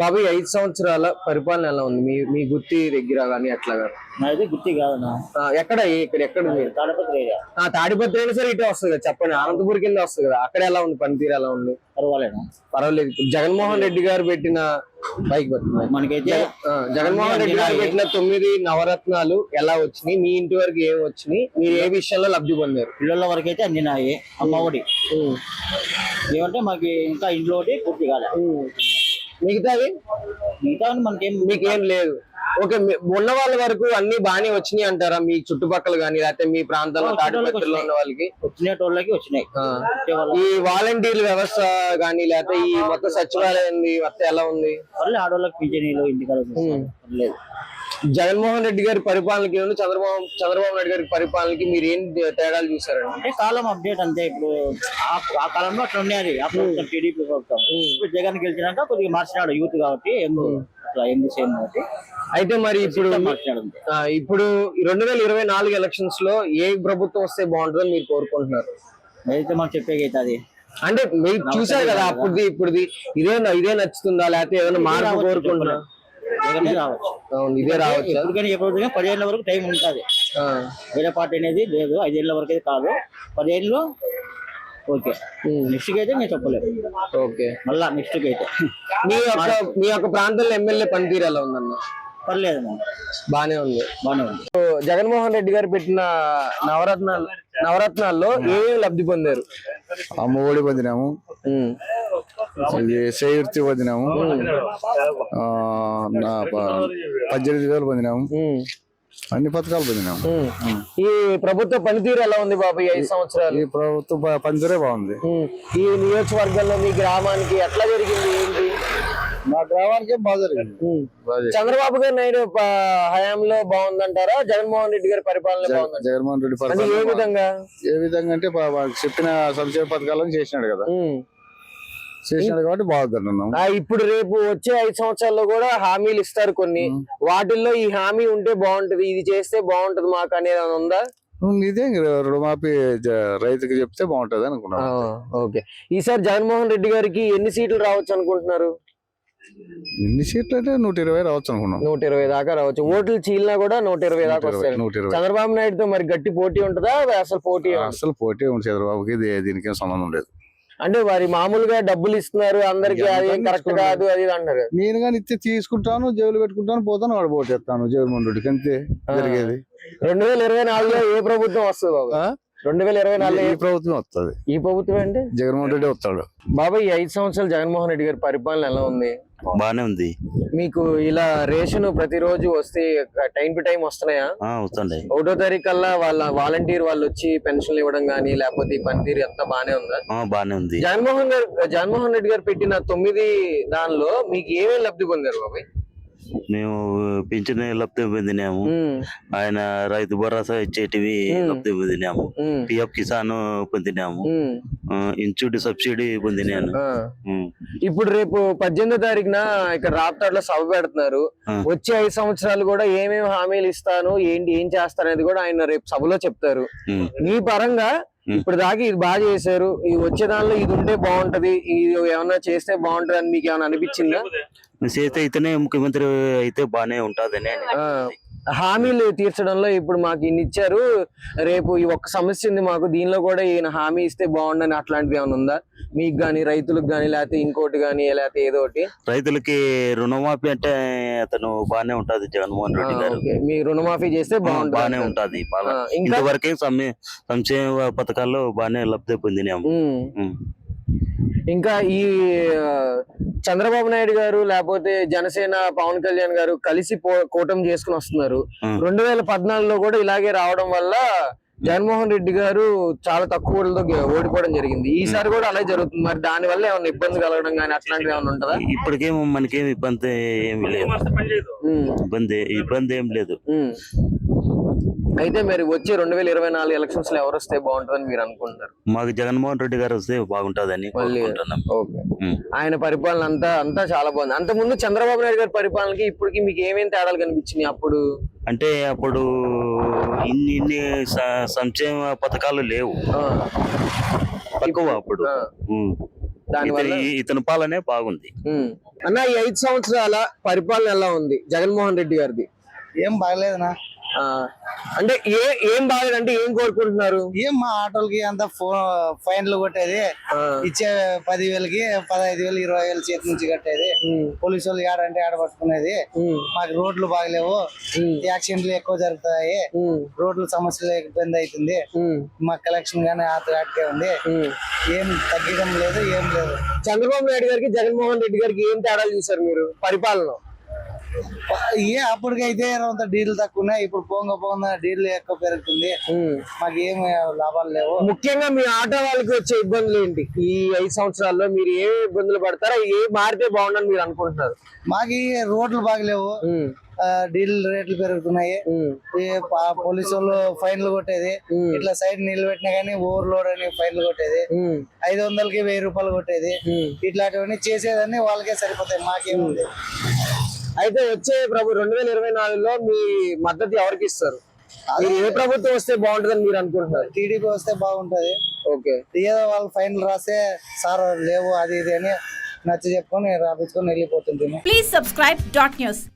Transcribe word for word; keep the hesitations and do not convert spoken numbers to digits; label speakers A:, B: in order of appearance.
A: బాబాయ్ ఐదు సంవత్సరాల పరిపాలన ఎలా ఉంది మీ మీ గుత్తి దగ్గర కానీ అట్లాగా?
B: నాది గుత్తి కాదన్నా.
A: ఎక్కడ ఇక్కడ ఎక్కడ
B: తాడిపత్రి ఏరియా.
A: తాడిపత్రి అయినా సరే ఇటే వస్తుంది కదా, చెప్పండి. అనంతపూర్ కింద వస్తుంది కదా, అక్కడ ఎలా ఉంది పనితీరు ఎలా ఉంది?
B: పర్వాలేదు
A: పర్వాలేదు. ఇప్పుడు జగన్మోహన్ రెడ్డి గారు పెట్టిన బైక్
B: మనకైతే
A: జగన్మోహన్ రెడ్డి గారు పెట్టిన తొమ్మిది నవరత్నాలు ఎలా వచ్చినాయి, మీ ఇంటి వరకు ఏం వచ్చినాయి, మీరు ఏ విషయంలో లబ్ధి పొందారు?
B: పిల్లల వరకు అయితే అందినాయి. అమ్మ ఒడి ఏమంటే మాకు ఇంకా ఇంట్లో ఒకటి పూర్తి కాలే.
A: మిగతావి
B: మిగతా మనకేం
A: మీకేం లేదు. ఓకే, ఉన్న వాళ్ళ వరకు అన్ని బాగానే వచ్చినాయి అంటారా? మీ చుట్టుపక్కల గానీ లేకపోతే మీ ప్రాంతంలో తాడిపత్రిలో ఉన్న వాళ్ళకి
B: వచ్చినోళ్ళకి వచ్చినాయి.
A: ఈ వాలంటీర్ల వ్యవస్థ గానీ లేకపోతే ఈ మొత్తం సచివాలయం మొత్తం ఎలా ఉంది?
B: ఆడవాళ్ళకి పింఛనీలు ఇంటికాడ లేదు.
A: జగన్మోహన్ రెడ్డి గారి పరిపాలనకి చంద్రబాబు చంద్రబాబు నాయుడు గారి పరిపాలనకి మీరు ఏం తేడాలు చూసారండి?
B: అంటే కాలం అప్డేట్ అంతే. ఇప్పుడు ఆ కాలంలో అట్లా ఉండేది ఆ ప్రభుత్వం, టీడీపీ ప్రభుత్వం. ఇప్పుడు జగన్ గెలిచినాక కొద్దిగా మార్చినాడు యూత్ కాబట్టి, యంగ్ సేమ్ కాబట్టి.
A: అయితే మరి ఇప్పుడు ఇప్పుడు రెండు వేల ఇరవై నాలుగు ఎలక్షన్స్ లో ఏ ప్రభుత్వం వస్తే బాగుంటుందని మీరు కోరుకుంటున్నారు?
B: అయితే మనం చెప్పేకైతే అది
A: అంటే మీరు చూసారు కదా అప్పుడుది ఇప్పుడుది, ఇదే ఇదే నచ్చుతుందా లేకపోతే ఏదైనా మార్పు కోరుకుంటున్నా?
B: రావచ్చు.
A: అవును, ఇదే రావచ్చు.
B: ఎందుకని ఎప్పుడు పదిహేనుల వరకు టైం ఉంటుంది. వేరే పార్టీ అనేది లేదు. ఐదేళ్ల వరకు అయితే కాదు, పదిహేనులో ఓకే. నెక్స్ట్ కి అయితే నేను చెప్పలేదు.
A: ఓకే,
B: మళ్ళా నెక్స్ట్ కి అయితే
A: మీ యొక్క మీ యొక్క ప్రాంతంలో ఎమ్మెల్యే పనితీరు ఎలా ఉందన్న?
B: పర్లేదు,
A: బానే ఉంది.
B: బానే ఉంది.
A: జగన్మోహన్ రెడ్డి గారు పెట్టిన నవరత్నాలు నవరత్నాల్లో ఏమేమి లబ్ధి పొందారు?
C: అమ్మ ఒడి పొందినాము, సేవృత్తి పొందినాము, పద్దెనిమిది వేలు పొందినాము, అన్ని పథకాలు పొందినాము.
A: ఈ ప్రభుత్వ పనితీరు ఎలా ఉంది బాబు ఈ ఐదు సంవత్సరాలు?
C: ఈ ప్రభుత్వ పనితీరే బాగుంది.
A: ఈ నియోజకవర్గంలో మీ గ్రామానికి ఎట్లా జరిగింది ఏంటి?
C: మా గ్రామానికి బాగా జరిగింది.
A: చంద్రబాబు గారి నాయుడు హయాంలో బాగుందంటారా, జగన్మోహన్ రెడ్డి గారి పరిపాలన బాగుందంటారా?
C: జగన్మోహన్ రెడ్డి పరిపాలన
A: ఏ విధంగా
C: ఏ విధంగా అంటే చెప్పిన సంక్షేమ పథకాలను చేసినాడు కదా, చేసినాడు కాబట్టి బాగుంటున్నాం.
A: ఇప్పుడు రేపు వచ్చే ఐదు సంవత్సరాల్లో కూడా హామీలు ఇస్తారు కొన్ని, వాటిల్లో ఈ హామీ ఉంటే బాగుంటది, ఇది చేస్తే బాగుంటది మాకు అనేది ఉందా?
C: ఇదే రుణమాఫీ రైతుకి చెప్తే బాగుంటది అనుకున్నాను.
A: ఓకే, ఈసారి జగన్మోహన్ రెడ్డి గారికి ఎన్ని సీట్లు రావచ్చు అనుకుంటున్నారు?
C: ఎన్ని సీట్లు అంటే నూట ఇరవై రావచ్చు అనుకున్నాం.
A: నూట ఇరవై దాకా రావచ్చు. ఓట్లు చీలినా కూడా నూట ఇరవై దాకా వస్తాయి. చంద్రబాబు నాయుడుతో మరి గట్టి పోటీ ఉంటుందా? అసలు పోటీ
C: అసలు పోటీ ఉంది చంద్రబాబుకి, దీనికి ఏం సంబంధం లేదు.
A: అంటే వారి మామూలుగా డబ్బులు ఇస్తున్నారు అందరికి, అది కరెక్ట్ కాదు అది అంటారు.
C: నేను కానీ ఇస్తే తీసుకుంటాను, జైలు పెట్టుకుంటాను, పోతాను, వాడు పోటీ చేస్తాను జగన్మోహన్ రెడ్డికి, అంతే జరిగేది.
A: రెండు వేల ఇరవై నాలుగులో ఏ ప్రభుత్వం వస్తుంది బాబు? రెండు వేల ఇరవై నాలుగులో
C: ఈ ప్రభుత్వం వస్తుంది.
A: ఈ ప్రభుత్వం అంటే
C: జగన్మోహన్ రెడ్డి వస్తాడు.
A: బాబాయ్, ఈ ఐదు సంవత్సరాలు జగన్మోహన్ రెడ్డి గారి పరిపాలన ఎలా ఉంది?
D: బానే ఉంది.
A: మీకు ఇలా రేషన్ ప్రతిరోజు వస్తే టైం టు టైం వస్తున్నాయా?
D: వస్తున్నాయి.
A: ఒకటో తారీఖు కల్లా వాళ్ళ వాలంటీర్ వాళ్ళు వచ్చి పెన్షన్లు ఇవ్వడం గానీ లేకపోతే పనితీరు ఎంత బానే ఉందా?
D: బానే ఉంది.
A: జగన్మోహన్ గారు జగన్మోహన్ రెడ్డి గారు పెట్టిన తొమ్మిది దానిలో మీకు ఏమేమి లబ్ధి పొందారు బాబాయ్?
D: మేము పింఛన్ లబ్ధి పొందినాము, ఆయన రైతు భరోసా ఇచ్చేటివి లబ్ధి పొందినాము, పిఎఫ్ కిసాన్ పొందినాము, ఇన్సూరెన్స్ సబ్సిడీ పొందినాను.
A: ఇప్పుడు రేపు పద్దెనిమిదో తారీఖున ఇక్కడ రాప్తాడులో సభ పెడుతున్నారు. వచ్చే ఐదు సంవత్సరాలు కూడా ఏమేమి హామీలు ఇస్తాను, ఏంటి ఏం చేస్తారు అనేది కూడా ఆయన రేపు సభలో చెప్తారు. మీ పరంగా ఇప్పుడు దాకా ఇది బాగా చేశారు, ఇది వచ్చే దానిలో ఇది ఉంటే బాగుంటది, ఇది ఏమన్నా చేస్తే బాగుంటది అని మీకు ఏమైనా అనిపించిందా?
D: చేస్తే అయితేనే ముఖ్యమంత్రి అయితే బానే ఉంటదని.
A: హామీలు తీర్చడంలో ఇప్పుడు మాకు ఇన్ని ఇచ్చారు, రేపు ఈ ఒక్క సమస్య ఉంది మాకు, దీనిలో కూడా ఈయన హామీ ఇస్తే బాగుండని అట్లాంటిది ఏమైనా ఉందా మీకు గానీ, రైతులకు గానీ, లేకపోతే ఇంకోటి గానీ, లేకపోతే ఏదో ఒకటి?
D: రైతులకి రుణమాఫీ అంటే అతను బానే ఉంటది జగన్మోహన్ రెడ్డి గారు.
A: మీ రుణమాఫీ చేస్తే బాగుంటుంది,
D: బానే ఉంటది. ఇంతవరకే సంక్షేమ పథకాల్లో బానే లబ్ధి పొందినాము.
A: ఇంకా ఈ చంద్రబాబు నాయుడు గారు లేకపోతే జనసేన పవన్ కళ్యాణ్ గారు కలిసి కూటమి చేసుకుని వస్తున్నారు. రెండు వేల పద్నాలుగులో కూడా ఇలాగే రావడం వల్ల జగన్మోహన్ రెడ్డి గారు చాలా తక్కువ ఓట్లతో ఓడిపోవడం జరిగింది. ఈసారి కూడా అలాగే జరుగుతుంది. మరి దాని వల్ల ఏమైనా ఇబ్బంది కలగడం కానీ అట్లాంటివి ఏమైనా ఉంటుందా?
D: ఇప్పటికేమో మనకేం ఇబ్బంది ఏమి లేదు. ఇబ్బంది ఇబ్బంది ఏం లేదు.
A: అయితే మరి వచ్చే రెండు వేల ఇరవై నాలుగు ఎలక్షన్స్ లో ఎవరు వస్తే బాగుంటుందని మీరు అనుకుంటారు?
D: మాకు జగన్మోహన్ రెడ్డి గారు వస్తే బాగుంటుందని.
A: ఆయన పరిపాలన అంతా అంతా చాలా బాగుంది. అంత ముందు చంద్రబాబు నాయుడు గారి పరిపాలనకి ఇప్పటికి మీకు ఏమేమి తేడాలు కనిపించినాయి? అప్పుడు
D: అంటే అప్పుడు ఇన్ని ఇన్ని సంక్షేమ పథకాలు లేవు, తక్కువ అప్పుడు.
A: దానివల్ల
D: ఇతని- ఇతని పాలనే బాగుంది.
A: ఉమ్. అన్న ఈ ఐదు సంవత్సరాల పరిపాలన ఎలా ఉంది జగన్మోహన్ రెడ్డి గారిది?
E: ఏం బాగలేదనా.
A: ఆ, అంటే ఏ ఏం బాగాలేదంటే ఏం కోరుకుంటున్నారు?
E: ఏం మా ఆటోలకి అంత ఫైన్లు కొట్టేది,
A: ఆ,
E: ఇచ్చే పదివేలకి పదహైదు వేలు ఇరవై వేలు చేతి నుంచి కట్టేది,
A: ఉమ్,
E: పోలీసు వాళ్ళు ఏడంటే ఆడ పట్టుకునేది,
A: ఉమ్,
E: మాకు రోడ్లు బాగలేవు,
A: ఉమ్,
E: యాక్సిడెంట్లు ఎక్కువ జరుగుతాయి,
A: ఉమ్,
E: రోడ్ల సమస్యలు ఇబ్బంది అవుతుంది,
A: ఉమ్,
E: మా కలెక్షన్ గానీ ఆటకే ఉంది,
A: ఉమ్.
E: ఏం తగ్గడం లేదు, ఏం లేదు.
A: చంద్రబాబు నాయుడు గారికి జగన్మోహన్ రెడ్డి గారికి ఏం తేడా చూసారు మీరు పరిపాలన?
E: ఏ అప్పటికైతే కొంత డీల్ తక్కువ ఉన్నాయి, ఇప్పుడు పోంగ పోంగ డీల్ ఎక్కువ పెరుగుతుంది,
A: ఉమ్.
E: మాకు ఏం లాభాలు లేవు.
A: ముఖ్యంగా మీ ఆటో వాళ్ళకి వచ్చే ఇబ్బందులు ఏంటి? ఈ ఐదు సంవత్సరాల్లో మీరు ఏ ఇబ్బందులు పడతారా? ఏ మారితే బాగుండని మీరు అనుకుంటున్నారు?
E: మాకు ఈ రోడ్లు బాగలేవు,
A: ఉమ్,
E: ఆ, డీజిల్ రేట్లు పెరుగుతున్నాయి,
A: ఉమ్,
E: ఈ ప- పోలీసు వాళ్ళు ఫైన్లు కొట్టేది,
A: ఉమ్,
E: ఇట్లా సైడ్ నిలబెట్టినా గానీ ఓవర్ లోడ్ అని ఫైన్లు కొట్టేది,
A: ఉమ్,
E: ఐదు వందలకి వెయ్యి రూపాయలు కొట్టేది,
A: ఉమ్.
E: ఇట్లాంటివన్నీ చేసేదాన్ని వాళ్ళకే సరిపోతాయి, మాకేముంది.
A: అయితే వచ్చే ప్రభు రెండు వేల ఇరవై నాలుగులో మీ మద్దతు ఎవరికి ఇస్తారు? మీరు ఏ ప్రభుత్వం వస్తే బాగుంటుందని మీరు అనుకుంటున్నారు?
E: టీడీపీ వస్తే బాగుంటది.
A: ఓకే.
E: ఏదో వాళ్ళు ఫైన్లు రాస్తే సార్ లేవు అది ఇది అని నచ్చ చెప్పుకొని రాపించుకొని వెళ్ళిపోతుంటుంది.
F: Please subscribe dot news.